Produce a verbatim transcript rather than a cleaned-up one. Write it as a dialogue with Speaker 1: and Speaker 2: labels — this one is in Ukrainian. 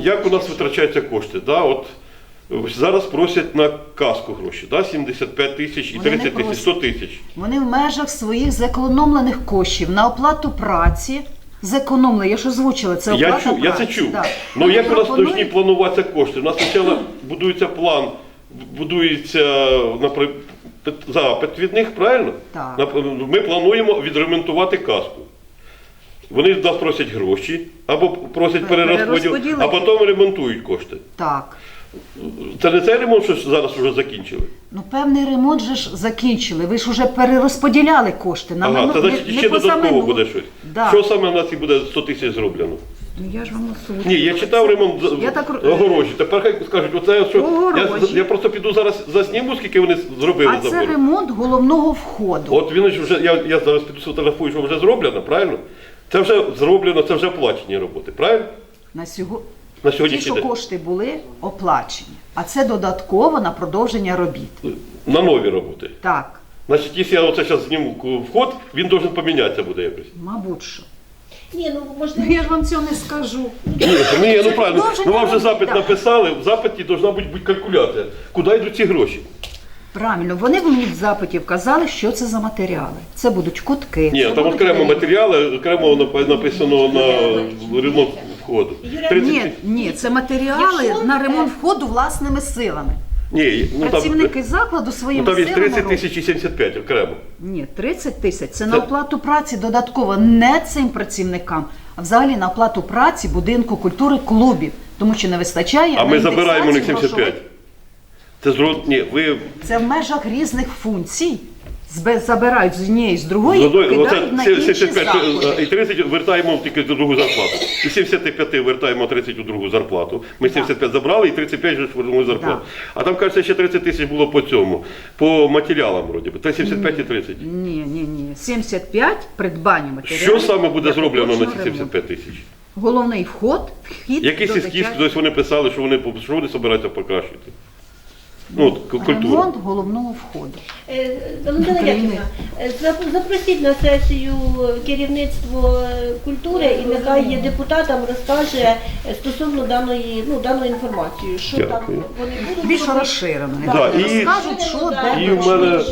Speaker 1: як у нас витрачаються кошти? Да, от, зараз просять на каску гроші, да, сімдесят п'ять тисяч і
Speaker 2: Вони не
Speaker 1: тридцять тисяч,
Speaker 2: просять.
Speaker 1: сто тисяч.
Speaker 2: Вони в межах своїх зекономлених коштів на оплату праці зекономили. Я ж озвучила, це оплата
Speaker 1: Я, чу,
Speaker 2: праці.
Speaker 1: я це чув.
Speaker 2: Да.
Speaker 1: Ну як у нас
Speaker 2: Пропонують-
Speaker 1: повинні плануватися кошти? У нас спочатку будується план, будується наприклад, запит від них, правильно?
Speaker 2: Так.
Speaker 1: Нап- Ми плануємо відремонтувати каску. Вони з нас просять гроші, або просять перерозподіл,
Speaker 2: Перерозподілити.
Speaker 1: а потім ремонтують кошти.
Speaker 2: Так.
Speaker 1: Це не цей ремонт, що зараз вже закінчили?
Speaker 2: Ну, певний ремонт же ж закінчили. Ви ж вже перерозподіляли кошти. На
Speaker 1: Ага,
Speaker 2: мину-
Speaker 1: це значить
Speaker 2: не-
Speaker 1: ще
Speaker 2: не поза
Speaker 1: додатково
Speaker 2: минулу.
Speaker 1: буде щось.
Speaker 2: Да.
Speaker 1: Що саме в нас і буде сто тисяч зроблено?
Speaker 2: Ну, я ж вам озвучила.
Speaker 1: Ні, я читав ремонт з-
Speaker 2: Я так...
Speaker 1: огорожі. Тепер хай скажуть, оце що. Я,
Speaker 2: Огорожі.
Speaker 1: я просто піду зараз засніму, скільки вони зробили
Speaker 2: А це
Speaker 1: забору.
Speaker 2: ремонт головного входу.
Speaker 1: От він ж вже, я, я зараз піду сфотографую, що вже зроблено, правильно? Це вже зроблено, це вже оплачені роботи, правильно?
Speaker 2: На сього...
Speaker 1: На
Speaker 2: Ті,
Speaker 1: сьогоднішній
Speaker 2: що
Speaker 1: день.
Speaker 2: кошти були оплачені. А це додатково на продовження робіт.
Speaker 1: На нові роботи.
Speaker 2: Так,
Speaker 1: Значить, якщо я оце зараз зніму вход, він должен помінятися буде якось.
Speaker 2: мабуть що.
Speaker 3: Ні, ну
Speaker 2: Ну,
Speaker 3: можливо.
Speaker 2: я ж вам цього не скажу.
Speaker 1: Ні, ні, ну правильно.
Speaker 2: продовження
Speaker 1: Ну вам вже запит
Speaker 2: робіт, так.
Speaker 1: написали, в запиті повинна бути бути калькуляція. Куди йдуть ці гроші?
Speaker 2: Правильно, вони мені в запиті вказали, що це за матеріали. Це будуть кутки.
Speaker 1: Ні,
Speaker 2: це
Speaker 1: там
Speaker 2: будуть
Speaker 1: окремо
Speaker 2: двері.
Speaker 1: матеріали, окремо нап- написано на ремонт входу. тридцять
Speaker 2: Ні, ні, це матеріали
Speaker 3: Якщо-
Speaker 2: на ремонт входу власними силами.
Speaker 1: Ні, ну там,
Speaker 2: Працівники закладу
Speaker 1: ну,
Speaker 2: своїми
Speaker 1: там є
Speaker 2: силами
Speaker 1: тридцять
Speaker 2: роблять.
Speaker 1: тисяч і сімдесят п'ять окремо.
Speaker 2: Ні, тридцять тисяч це на оплату праці додатково не цим працівникам, а взагалі на оплату праці будинку культури клубів, тому що не вистачає.
Speaker 1: А
Speaker 2: на
Speaker 1: ми забираємо у них
Speaker 2: індексацію
Speaker 1: сімдесят п'ять. Це зро... Ні, ви
Speaker 2: Це в межах різних функцій. Збе- Забирають з однієї, з другої,
Speaker 1: з одної-
Speaker 2: кидають
Speaker 1: оце
Speaker 2: на
Speaker 1: сім-
Speaker 2: інші
Speaker 1: сімдесят п'ять
Speaker 2: заклади.
Speaker 1: і тридцять вертаємо тільки до другу зарплату. І сімдесят п'ять вертаємо тридцять у другу зарплату. Ми сімдесят п'ять забрали і тридцять п'ять вже вернули зарплату. А там, кажеться, ще тридцять тисяч було по цьому, по матеріалам вроді би. Та сімдесят п'ять і тридцять.
Speaker 2: Ні, ні, ні. сімдесят п'ять придбання матеріалів.
Speaker 1: Що саме буде
Speaker 2: для
Speaker 1: зроблено на ці
Speaker 2: поточного
Speaker 1: сімдесят п'ять
Speaker 2: ремонту.
Speaker 1: тисяч?
Speaker 2: Головний вход, вхід
Speaker 1: Якийсь
Speaker 2: до
Speaker 1: ескіз,
Speaker 2: дитячого-
Speaker 1: тобто вони писали, що вони, що вони збираються покращити. Ну, от, к- культуру.
Speaker 2: Ремонт головного входу.
Speaker 3: Е, Валентина
Speaker 2: України.
Speaker 3: Яківна, е, зап- запросіть на сесію керівництво е, культури і нехай є депутатам розкаже е, стосовно даної, ну, даної інформації, що
Speaker 1: Дякую.
Speaker 3: там вони будуть
Speaker 2: Більш
Speaker 3: робити.
Speaker 2: розширено.
Speaker 1: Да, і-
Speaker 2: Розкажуть, що, де,
Speaker 1: І
Speaker 2: до
Speaker 1: в
Speaker 2: чого.
Speaker 1: мене